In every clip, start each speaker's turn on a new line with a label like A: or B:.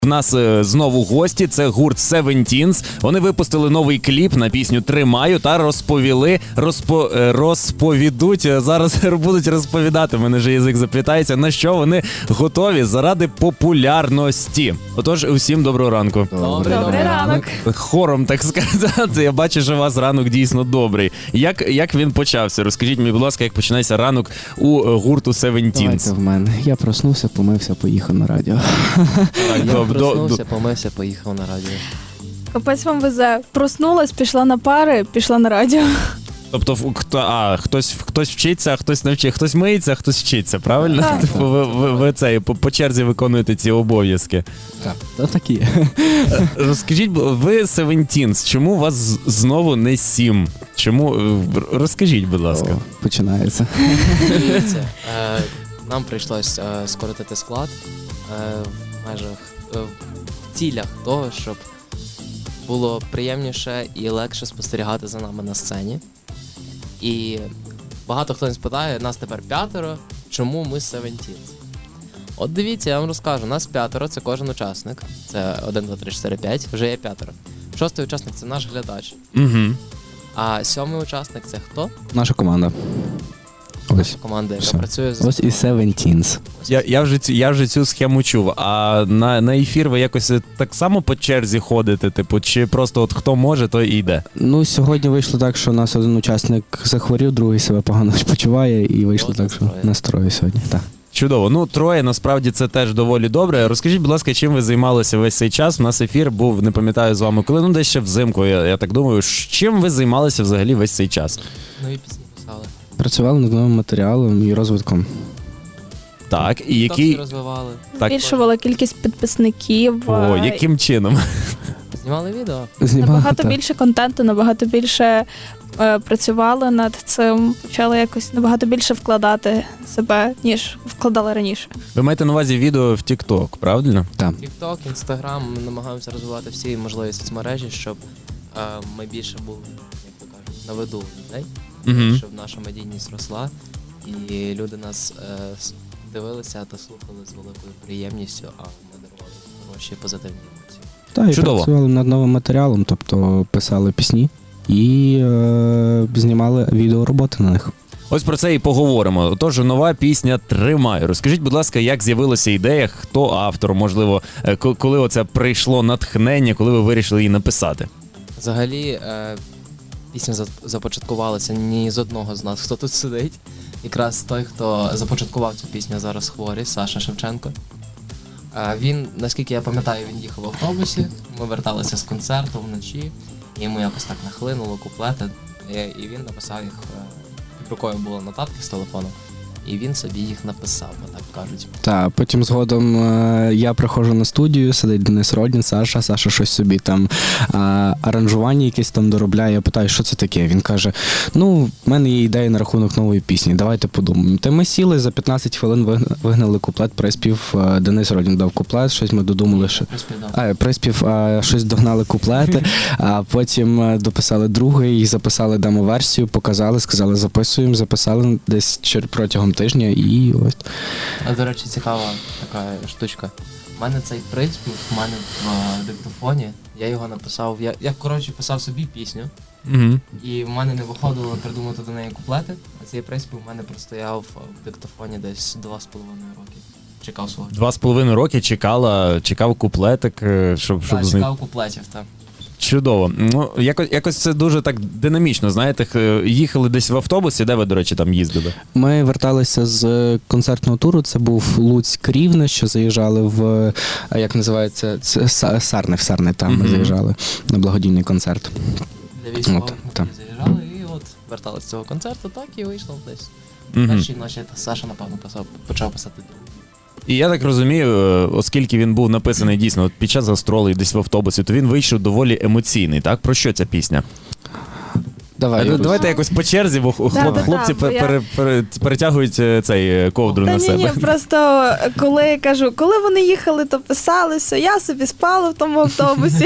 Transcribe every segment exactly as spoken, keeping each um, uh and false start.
A: В нас е, знову гості, це гурт Севентінс. Вони випустили новий кліп на пісню «Тримаю» та розповіли, розпо, е, розповідуть, е, зараз будуть розповідати, в мене вже язик заплітається, на що вони готові заради популярності. Отож, усім доброго ранку.
B: Добрий,
C: Добрий ранок.
A: Хором, так сказати, я бачу, що у вас ранок дійсно добрий. Як, як він почався? Розкажіть мені, будь ласка, як починається ранок у е, гурту Севентінс?
B: Давайте в мене. Я проснувся, помився, поїхав на радіо.
A: Так,
D: Я
A: до- до-
D: проснувся, помився, поїхав на радіо.
C: Капець вам везе. Проснулась, пішла на пари, пішла на радіо.
A: Тобто, ф- хто, а, хтось, хтось вчиться, а хтось не вчить, хтось миється, а хтось вчиться, правильно?
C: Так.
A: Типу, ви, ви, ви це, по, по черзі виконуєте ці обов'язки.
B: Так, то такі.
A: Розкажіть, бо ви Севентінс, чому у вас з- знову не сім? Чому? е, Розкажіть, будь ласка.
B: О, починається.
D: Дивіться, е, нам прийшлось е, скоротити склад е, в межах, е, в цілях того, щоб було приємніше і легше спостерігати за нами на сцені. І багато хто не спитає, нас тепер п'ятеро, чому ми Севентінс? От дивіться, я вам розкажу, нас п'ятеро, це кожен учасник. Це один, два, три, чотири, п'ять, вже є п'ятеро. Шостий учасник це наш глядач.
A: Угу.
D: А сьомий учасник це хто?
B: Наша команда. Ось.
D: Команда, яка
B: Все.
D: працює за
B: Ось і Севентінс.
A: Я, я, вже, цю- я вже цю схему чув. А на, на ефір ви якось так само по черзі ходите, типу, чи просто от хто може, той і йде?
B: Ну, сьогодні вийшло так, що у нас один учасник захворів, другий себе погано почуває, і вийшло
D: От
B: так, що
D: настрої.
B: настрою сьогодні. Так.
A: Чудово. Ну, троє, насправді, це теж доволі добре. Розкажіть, будь ласка, чим ви займалися весь цей час? У нас ефір був, не пам'ятаю з вами, коли, ну, десь ще взимку, я, я так думаю. Ш- Чим ви займалися взагалі весь цей час?
D: нові пісні писали.
B: Працювали над новим матеріалом і розвитком.
A: Так, і
D: Тіктоки
A: який...
D: розвивали.
A: Так.
C: Збільшувала кількість підписників.
A: О,
C: е,
A: яким чином?
D: Знімали відео.
B: Знімали,
C: Набагато
B: так.
C: більше контенту, набагато більше е, працювали над цим, почали якось набагато більше вкладати себе, ніж вкладали раніше.
A: Ви маєте на увазі відео в TikTok, правильно?
B: Так.
D: Тікток, Інстаграм, ми намагаємося розвивати всі можливі соцмережі, щоб е, ми більше були, як то кажуть, на виду людей,
A: Угу.
D: щоб наша медійність росла, і люди нас е, с- дивилися та слухали з великою приємністю, а ми дарували хороші позитивні емоції.
B: Так, і
A: Чудово.
B: працювали над новим матеріалом, тобто писали пісні і е, знімали відеороботи на них.
A: Ось про це і поговоримо. Отож, нова пісня «Тримаю». Розкажіть, будь ласка, як з'явилася ідея, хто автор, можливо, е, ко- коли оце прийшло натхнення, коли ви вирішили її написати?
D: Взагалі, е, пісня за- започаткувалася ні з одного з нас, хто тут сидить. Якраз той, хто започаткував цю пісню, зараз хворий, Саша Шевченко. Е, він, наскільки я пам'ятаю, він їхав в автобусі, ми верталися з концерту вночі, і йому якось так нахлинуло куплети, і, і він написав їх, е, під рукою були нотатки з телефону, і він собі їх написав, так кажуть.
B: Так, потім згодом е, я приходжу на студію, сидить Денис Родін, Саша, Саша щось собі там е, аранжування якесь там доробляє. Я питаю, що це таке? Він каже: ну, в мене є ідея на рахунок нової пісні, давайте подумаємо. Та ми сіли, за п'ятнадцять хвилин вигна- вигнали куплет, приспів, е, Денис Родін дав куплет, щось ми додумали, що...
D: Приспівав.
B: А, приспів, а, щось догнали куплети, а потім е, дописали другий, записали демо-версію, показали, сказали, записуємо, записали десь чер- протягом тижня і ось.
D: А, до речі, цікава така штучка. У мене цей приспів, в мене в е, диктофоні, я його написав, я, я коротше писав собі пісню,
A: Угу.
D: і в мене не виходило придумати до неї куплети, а цей приспів в мене простояв в диктофоні десь два з половиною роки. Чекав свого.
A: Два з половиною роки чекала, чекав куплетик, е, щоб, щоб
D: Так,
A: з них...
D: чекав куплетів, так.
A: Чудово. Ну, якось, якось це дуже так динамічно, знаєте, х- їхали десь в автобусі, де ви, до речі, там їздили?
B: Ми верталися з концертного туру. Це був Луцьк Рівне, що заїжджали в, а як називається, це Са- Сарни, в Сарни там ми
A: Мгм.
B: заїжджали на благодійний концерт.
D: Для військових
B: От,
D: ми
B: так.
D: тоді заїжджали і от верталися з цього концерту, так і вийшло десь.
A: Угу.
D: Першій ночі Саша, напевно, писав, почав писати другу.
A: І я так розумію, е, оскільки він був написаний дійсно от під час гастролей десь в автобусі, то він вийшов доволі емоційний, так? Про що ця пісня?
B: Давай,
A: Е,
B: Юрус.
A: Давайте якось по черзі, бо хлоп,
C: Да, да, да,
A: хлопці
C: бо
A: пер-
C: я-
A: пере- пере- перетягують е, цей е, ковдру
C: Та
A: на
C: ні,
A: себе.
C: ні, просто коли я кажу, коли вони їхали, то писалися, я собі спала в тому автобусі.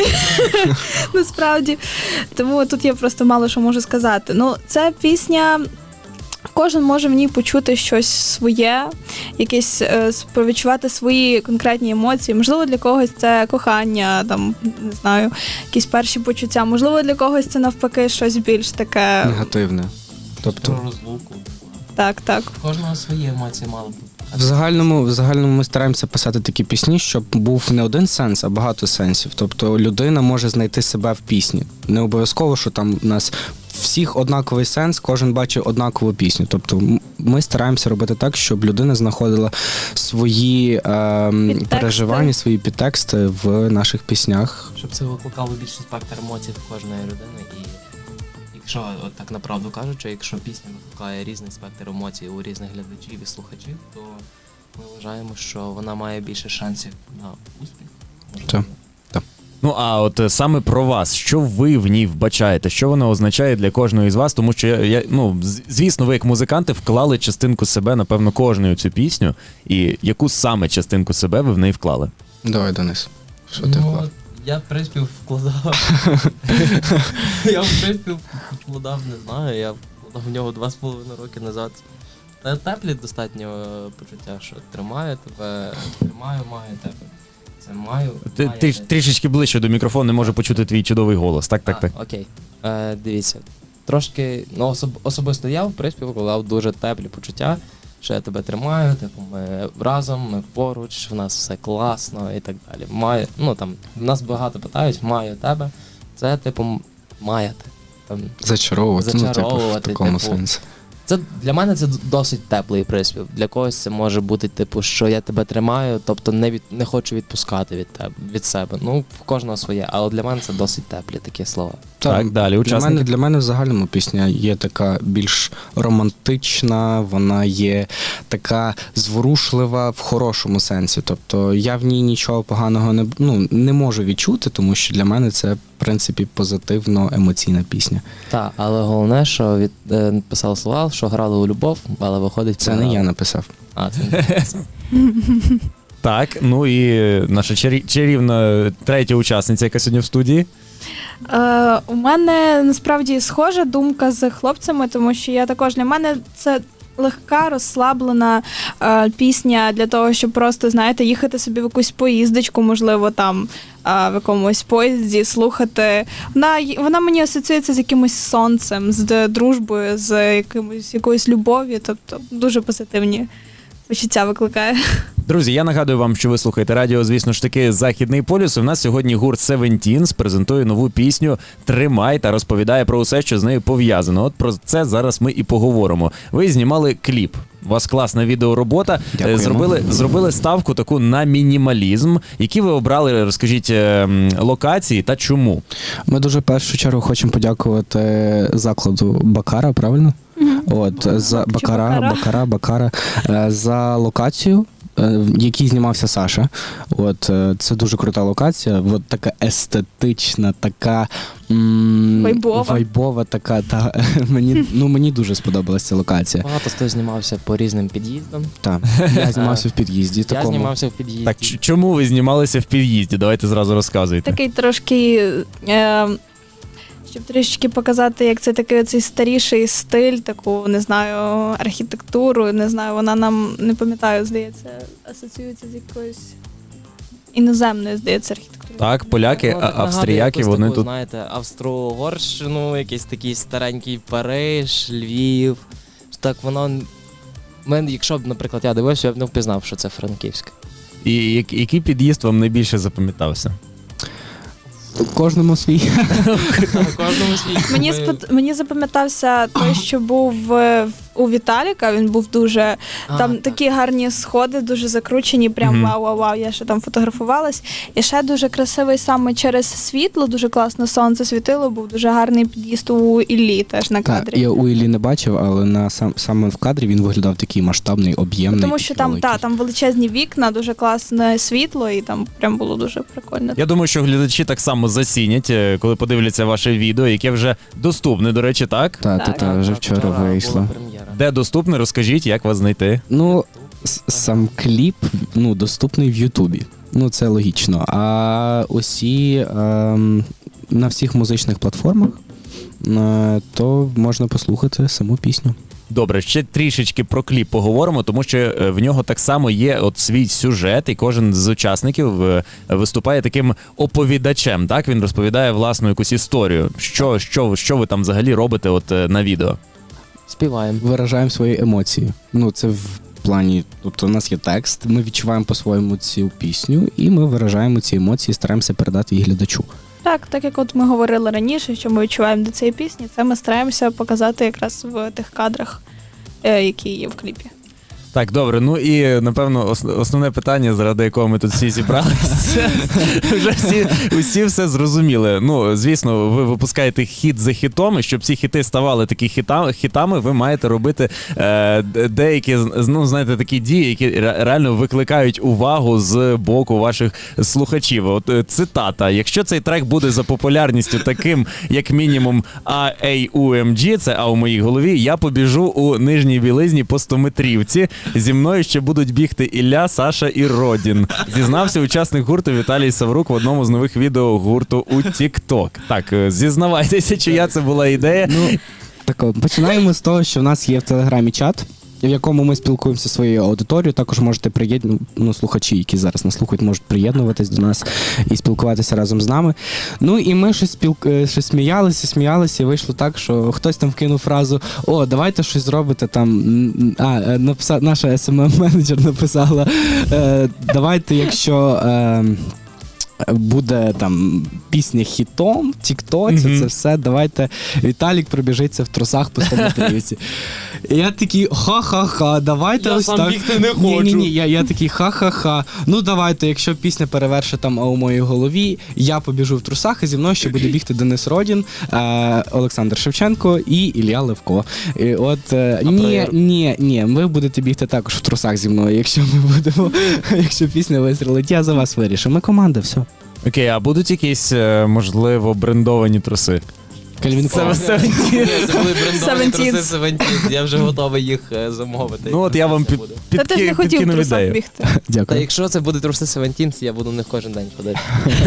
C: Насправді. Тому тут я просто мало що можу сказати. Ну, це пісня кожен може в ній почути щось своє, якесь е, відчувати свої конкретні емоції. Можливо, для когось це кохання, там, не знаю, якісь перші почуття. Можливо, для когось це навпаки щось більш таке.
B: Негативне.
D: Про
B: Тобто,
D: розлуку.
C: Так, так.
D: У кожного свої емоції мало бути.
B: в загальному, в загальному ми стараємося писати такі пісні, щоб був не один сенс, а багато сенсів. Тобто людина може знайти себе в пісні. Не обов'язково, що там у нас всіх однаковий сенс, кожен бачить однакову пісню. Тобто м- ми стараємося робити так, щоб людина знаходила свої е,
C: Підтексти.
B: переживання, свої підтексти в наших піснях.
D: Щоб це викликало більший спектр емоцій в кожної людини. І якщо, от так направду кажучи, якщо пісня викликає різний спектр емоцій у різних глядачів і слухачів, то ми вважаємо, що вона має більше шансів на успіх. Можливо.
B: Так.
A: Ну а от е, саме про вас, що ви в ній вбачаєте? Що вона означає для кожного із вас? Тому що я, я ну з- звісно, ви як музиканти вклали частинку себе, напевно, кожної цю пісню. І яку саме частинку себе ви в неї вклали?
B: Давай, Денис, що ти
D: Ну,
B: вклав?
D: я приспів вкладав. Я в приспів вкладав, не знаю, я вкладав в нього два з половиною роки назад. Та теплі достатньо е, почуття, що тримаю тебе, тримаю, маю тебе. Це маю.
A: Ти,
D: маю
A: ти
D: тебе.
A: трішечки ближче до мікрофону, не можу почути твій чудовий голос. Так, так,
D: А,
A: так.
D: Окей. Е, дивіться. Трошки, ну особ, особисто я в приспів вкладав дуже теплі почуття, що я тебе тримаю, типу, ми разом, ми поруч, в нас все класно і так далі. Маю, ну там, нас багато питають, маю тебе. Це, типу, м- маяти. Там,
B: Зачаровувати, ну, типу, в
D: Зачаровувати,
B: такому
D: типу.
B: сенсі.
D: це для мене це досить теплий приспів. Для когось це може бути, типу, що я тебе тримаю, тобто не від не хочу відпускати від тебе від себе. Ну, в кожного своє, але для мене це досить теплі такі слова.
A: Так, далі,
B: Для
A: учасники.
B: мене, для мене в загальному пісня є така більш романтична, вона є така зворушлива в хорошому сенсі. Тобто я в ній нічого поганого не, ну, не можу відчути, тому що для мене це, в принципі, позитивно емоційна пісня.
D: Так, але головне, що від е, писав слова, що грали у любов, але виходить
B: Це не
D: програли.
B: я написав.
D: А, це не ти написав.
A: Так, ну і наша чарі- чарівна третя учасниця, яка сьогодні в студії.
C: Е, у мене насправді схожа думка з хлопцями, тому що я також для мене це легка, розслаблена е, пісня для того, щоб просто, знаєте, їхати собі в якусь поїздочку, можливо, там е, в якомусь поїзді, слухати. Вона, й- вона мені асоціюється з якимось сонцем, з д- дружбою, з якимось, якоюсь любов'ю, тобто дуже позитивні почуття викликає.
A: Друзі, я нагадую вам, що ви слухаєте радіо, звісно ж таки, Західний полюс. У нас сьогодні гурт Севентінс презентує нову пісню «Тримай» та розповідає про усе, що з нею пов'язано. От про це зараз ми і поговоримо. Ви знімали кліп. У вас класна відеоробота.
B: Дякуємо.
A: Е, Зробили, зробили ставку таку на мінімалізм. Які ви обрали, розкажіть, е, м, локації та чому?
B: Ми дуже в першу чергу хочемо подякувати закладу Бакара, правильно? От, за
C: Чи
B: Бакара,
C: Бакара?
B: Бакара, Бакара, е, за локацію, е, в якій знімався Саша. От, е, це дуже крута локація, от така естетична, така м,
C: Вайбова.
B: вайбова така. Та, мені, ну, мені дуже сподобалася ця локація.
D: Багато хто знімався по різним під'їздам.
B: Та, я знімався в під'їзді
D: Я
B: такому.
D: знімався в під'їзді.
A: Так, ч- чому ви знімалися в під'їзді? Давайте зразу розказуйте.
C: Такий трошки, е, щоб трішки показати, як це такий оцей старіший стиль, таку, не знаю, архітектуру, не знаю, вона нам, не пам'ятаю, здається, асоціюється з якоюсь іноземною, здається, архітектурою.
A: Так, поляки,
D: Воно
A: а-
D: так нагадує
A: австріяки,
D: якусь
A: вони
D: таку,
A: тут.
D: знаєте, Австро-Угорщину, якийсь такий старенький Париж, Львів. Так воно. Мен, якщо б, наприклад, я дивився, я б не впізнав, що це Франківськ.
A: І як- який під'їзд вам найбільше запам'ятався?
B: Кожному свій.
D: Кожному свій.
C: Мені,
D: Ми-
C: спод... Мені запам'ятався той, що був е, у Віталіка, він був дуже,
D: А,
C: там
D: так.
C: такі гарні сходи, дуже закручені, прям
A: Мгм.
C: вау-вау-вау, я ще там фотографувалась. І ще дуже красивий саме через світло, дуже класно сонце світило, був дуже гарний під'їзд у Іллі теж на
B: Так,
C: кадрі.
B: я у Іллі не бачив, але на сам саме в кадрі він виглядав такий масштабний, об'ємний.
C: Тому що
B: такий
C: там,
B: великий.
C: та, там величезні вікна, дуже класне світло, і там прям було дуже прикольно.
A: Я думаю, що глядачі так само зацінять, е, коли подивляться ваше відео, яке вже доступне, до речі, так?
B: Та, та,
C: Так.
B: та, вже
D: Так,
B: вчора
D: була
B: вийшло.
D: прем'єра.
A: Де доступне, розкажіть, як вас знайти.
B: Ну, с- сам кліп ну, доступний в Ютубі. Ну, це логічно. А усі ем, на всіх музичних платформах, е, то можна послухати саму пісню.
A: Добре, ще трішечки про кліп поговоримо, тому що е, в нього так само є от свій сюжет, і кожен з учасників е, виступає таким оповідачем. Так, він розповідає власну якусь історію. Що, що, що ви там взагалі робите от е, на відео?
D: Співаємо.
B: Виражаємо свої емоції. Ну, це в плані, тобто у нас є текст, ми відчуваємо по-своєму цю пісню, і ми виражаємо ці емоції, стараємося передати їх глядачу.
C: Так, так як от ми говорили раніше, що ми відчуваємо до цієї пісні, це ми стараємося показати якраз в тих кадрах, е, які є в кліпі.
A: Так, добре, ну і напевно ос- основне питання, заради якого ми тут всі зібралися, вже всі, усі все зрозуміли. Ну, звісно, ви випускаєте хіт за хітом, і щоб ці хіти ставали такі хіта, хітами, ви маєте робити е, д- деякі, з- ну, знаєте, такі дії, які ре- реально викликають увагу з боку ваших слухачів. От е, цитата: якщо цей трек буде за популярністю таким, як мінімум, А Ей У Ем Джі, це А у моїй голові, я побіжу у нижній білизні по стометрівці. Зі мною ще будуть бігти Ілля, Саша і Родін. Зізнався учасник гурту Віталій Саврук в одному з нових відео гурту у TikTok. Так, е, зізнавайтеся, чия це була ідея.
B: Ну, так, починаємо з того, що в нас є в Телеграмі чат, в якому ми спілкуємося зі своєю аудиторією. Також можете приєднувати, ну, слухачі, які зараз нас слухають, можуть приєднуватись до нас і спілкуватися разом з нами. Ну і ми щось, спілк... е, щось сміялися, сміялися, і вийшло так, що хтось там вкинув фразу: о, давайте щось зробите там. м, А, е, написа... наша ес ем ем-менеджер написала, е, давайте, якщо. Е... буде там пісня хітом, в Тіктоці,
A: Мгм.
B: це все, давайте Віталік пробіжиться в трусах по стометрівці. І я такий, ха-ха-ха, давайте
D: Я
B: ось
D: сам
B: так.
D: бігти не
B: Ні, ні,
D: хочу.
B: ні, я, я такий, ха-ха-ха. Ну давайте, якщо пісня перевершить там «А у моїй голові», я побіжу в трусах, і зі мною ще буде бігти Денис Родін, е, Олександр Шевченко і Ілля Левко. І от, е,
D: А
B: ні,
D: проєр-
B: ні, ні, ви будете бігти також в трусах зі мною, якщо ми будемо, якщо пісня вистрілить, я за вас вирішу. Ми команда, все.
A: Окей, а будуть якісь, е, можливо, брендовані труси?
B: Кальвін
A: Це
B: Клайн.
A: все.
D: Ні, це були брендовані
C: Seventeens.
D: труси Севентін. Я вже готовий їх е, замовити.
A: Ну от я вам під,
C: Та ти ж не
A: підки-
C: хотів в
A: підкинув
C: трусах
A: ідею.
C: бігти.
D: Та
B: Дякую.
D: якщо це буде труси Севентін, я буду в них кожен день ходити.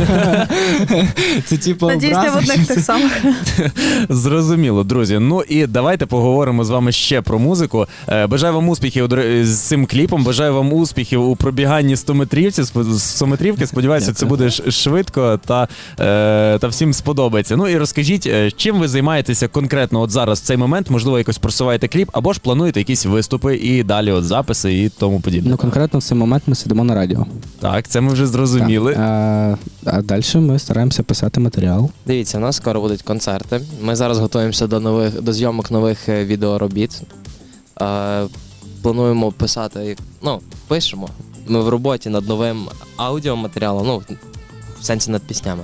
B: Це типу
C: Надіюсь, не в
B: образи,
C: одних
B: що
C: тих самих.
A: Зрозуміло, друзі. Ну і давайте поговоримо з вами ще про музику. Е, Бажаю вам успіхів дор- з цим кліпом. Бажаю вам успіхів у пробіганні стометрівці. Сп- стометрівки. Сподіваюся, це буде ш- швидко та, е, та всім сподобається. Ну і розкажіть, е, чим ви займаєтеся конкретно от зараз в цей момент? Можливо, якось просуваєте кліп, або ж плануєте якісь виступи і далі от записи і тому подібне.
B: Ну, конкретно в цей момент ми сидимо на радіо.
A: Так, це ми вже зрозуміли.
B: Так. А, а далі ми стараємося писати матеріал.
D: Дивіться, у нас скоро будуть концерти. Ми зараз готуємося до нових до зйомок нових е, відеоробіт. Е, плануємо писати, ну, пишемо. Ми в роботі над новим аудіоматеріалом, ну, в сенсі над піснями.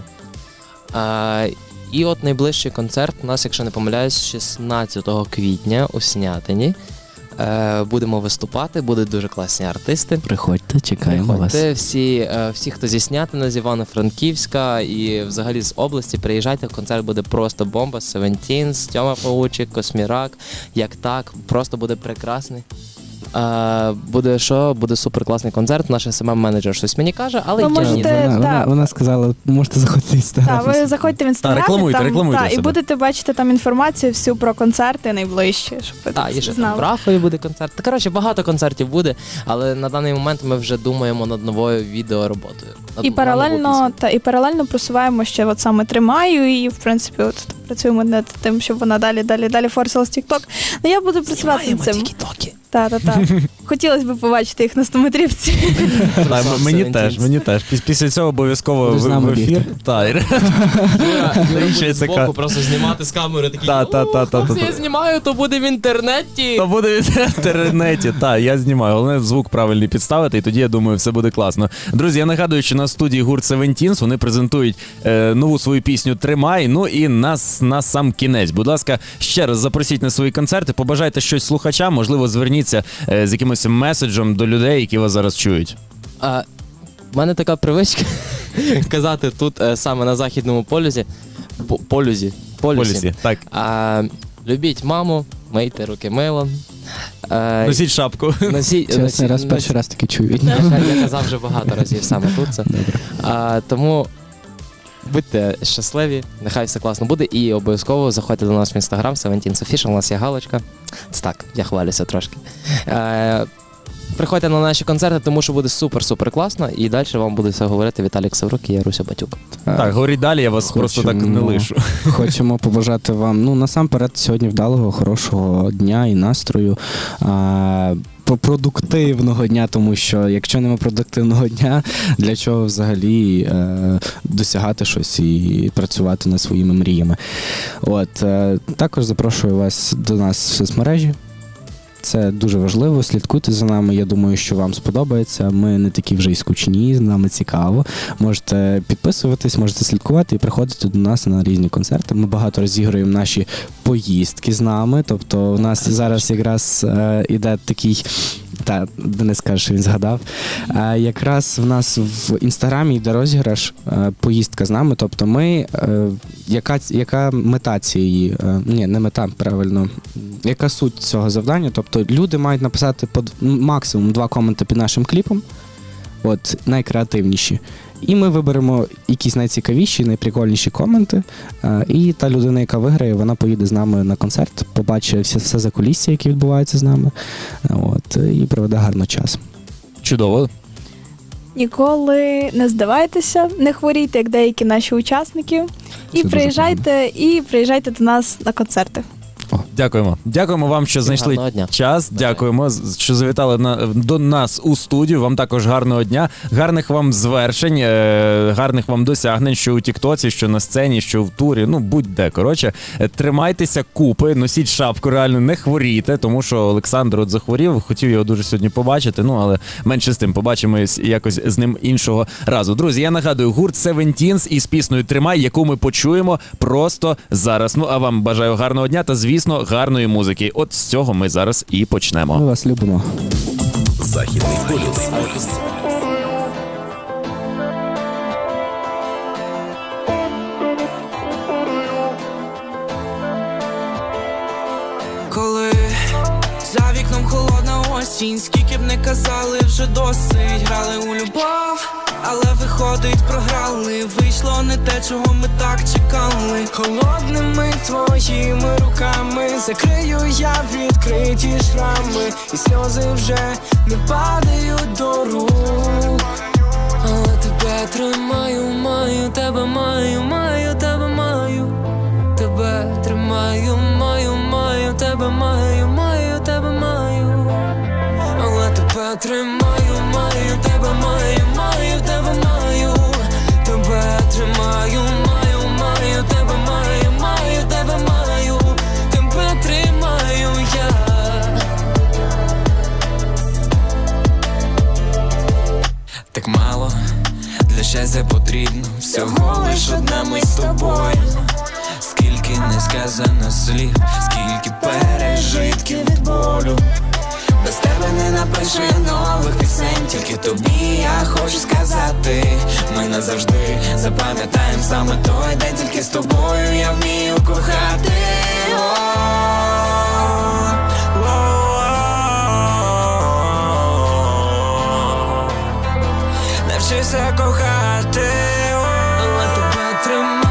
D: Е, і от найближчий концерт у нас, якщо не помиляюсь, шістнадцятого квітня у Снятині. Е, будемо виступати, будуть дуже класні артисти.
B: Приходьте, чекаємо вас.
D: Приходьте, всі, е, всі, хто зі Снятина, з Івано-Франківська і взагалі з області, приїжджайте, концерт буде просто бомба, Seventeens, Тьома Паучик, Космірак, як так, просто буде прекрасний. Е, буде що? Буде суперкласний концерт, наш ес ем ем-менеджер щось мені каже, але
C: Ви
D: я
C: можете-
D: ні.
B: Вона, вона,
C: так.
B: вона сказала, можете заходити в
C: Так,
B: інстаграм.
C: ви заходьте в інстаграм,
A: рекламуйте,
C: там,
A: рекламуйте
C: та, і
A: себе.
C: будете бачити там інформацію всю про концерти найближчі, щоб ви
D: Так,
C: так
D: і ще там
C: знали.
D: в Рахові буде концерт. Та, коротше, багато концертів буде, але на даний момент ми вже думаємо над новою відеороботою. Над-
C: І
D: на
C: паралельно,
D: нову пісню.
C: та і паралельно просуваємо ще от саме тримаю, і в принципі от працюємо над тим, щоб вона далі, далі, далі форсилась в TikTok. Ну я буду працювати над цим.
D: Тік-токи.
C: Та, та, та. Хотілося б побачити їх на стометрівці.
A: Так,
D: Сам
A: мені
D: Seventeens.
A: теж, мені теж. Піс- Після цього обов'язково
B: Будеш з
A: в,
B: нами
A: в ефір.
B: бігти.
A: Так,
D: Юра, Юра
A: Ще
D: буде
A: така-
D: збоку просто знімати з камери такий,
A: Та, та, та, та,
D: «Хлопці,
A: та,
D: я
A: та».
D: знімаю, то буде в інтернеті.
A: То буде в інтернеті. Так, я знімаю. Головне звук правильний підставити, і тоді я думаю, все буде класно. Друзі, я нагадую, що на студії гурт Seventeens вони презентують е, нову свою пісню Тримай. Ну і нас на сам кінець. Будь ласка, ще раз запросіть на свої концерти, побажайте щось слухачам, можливо, зверніться е, з якимось меседжем до людей, які вас зараз чують.
D: А, в мене така привичка казати тут е, саме на західному полюсі. По- Полюсі. Полюсі.
A: Полісі. Так,
D: А, любіть маму, мийте руки милом. Е,
A: носіть шапку.
D: носіть,
B: Чесно,
D: носіть-
B: раз перший раз таки чую.
D: Я, я казав вже багато разів саме тут це. А, тому Будьте щасливі, нехай все класно буде. І обов'язково заходьте до нас в інстаграм Seventeens Official, у нас є галочка. Це так, я хвалюся трошки. Е, приходьте на наші концерти, тому що буде супер-супер класно. І далі вам буде все говорити Віталій Ксаврук і Яруся Батюк.
A: Так, говоріть далі, я вас просто так не
B: Хочемо-
A: лишу.
B: Хочемо побажати вам, ну, насамперед, сьогодні вдалого, хорошого дня і настрою. А, по- продуктивного дня, тому що якщо нема продуктивного дня, для чого взагалі е, досягати щось і працювати над своїми мріями. От, е, також запрошую вас до нас в соцмережі. Це дуже важливо, слідкуйте за нами. Я думаю, що вам сподобається. Ми не такі вже й скучні, з нами цікаво. Можете підписуватись, можете слідкувати і приходити до нас на різні концерти. Ми багато розігруємо наші поїздки з нами. Тобто у нас зараз якраз е, іде такий. Та, Денис каже, що він згадав. Е, якраз в нас в інстаграмі йде розіграш е, поїздка з нами. Тобто ми, е, яка, яка мета цієї, е, ні, не мета, правильно, яка суть цього завдання? Тобто люди мають написати по д- максимум два коменти під нашим кліпом, от, найкреативніші. І ми виберемо якісь найцікавіші, найприкольніші коменти. е, І та людина, яка виграє, вона поїде з нами на концерт, побачить все, все закулісся, яке відбувається з нами. е, От, і проведе гарно час.
A: Чудово.
C: Ніколи не здавайтеся, не хворійте, як деякі наші учасники. І
B: дуже
C: приїжджайте, і приїжджайте до нас на концерти.
A: Дякуємо. Дякуємо вам, що
D: Всім
A: знайшли
D: гарного дня.
A: час.
D: Бажаю.
A: Дякуємо, з- що завітали на, до нас у студію. Вам також гарного дня, гарних вам звершень, е, гарних вам досягнень, що у Тіктоці, що на сцені, що в турі. Ну, будь-де. Коротше, Е, тримайтеся купи, носіть шапку, реально не хворійте, тому що Олександр от захворів. Хотів його дуже сьогодні побачити. Ну, але менше з тим, побачимось якось з ним іншого разу. Друзі, я нагадую, гурт Seventeens із піснею «Тримай», яку ми почуємо просто зараз. Ну, а вам бажаю гарного дня та, звісно, гарної музики. От з цього ми зараз і почнемо.
B: Ми вас любимо.
E: Західний полюс.
F: Коли за вікном холодна осінь, скільки б не казали, вже досить. Грали у любов, але виходить, програли. Вийшло не те, чого ми так чекали. Холодними твоїми руками закрию я відкриті шрами, і сльози вже не падають до рук. Але тебе тримаю, маю, тебе маю, маю, тебе маю. Тебе тримаю, маю, маю, тебе маю, маю, тебе маю. Але тебе тримаю, маю, тебе маю, маю, тебе маю. Тебе тримаю, маю, маю, тебе маю, маю, тебе маю. Тебе тримаю я. Так мало, для щастя потрібно всього лиш одна ми з тобою. Скільки не сказано слів, скільки пережитків від болю. Без тебе не напишу я нових пісень, тільки тобі я хочу сказати. Ми назавжди запам'ятаємо саме той день, тільки з тобою я вмію кохати. Навчився кохати, але тебе тримаю.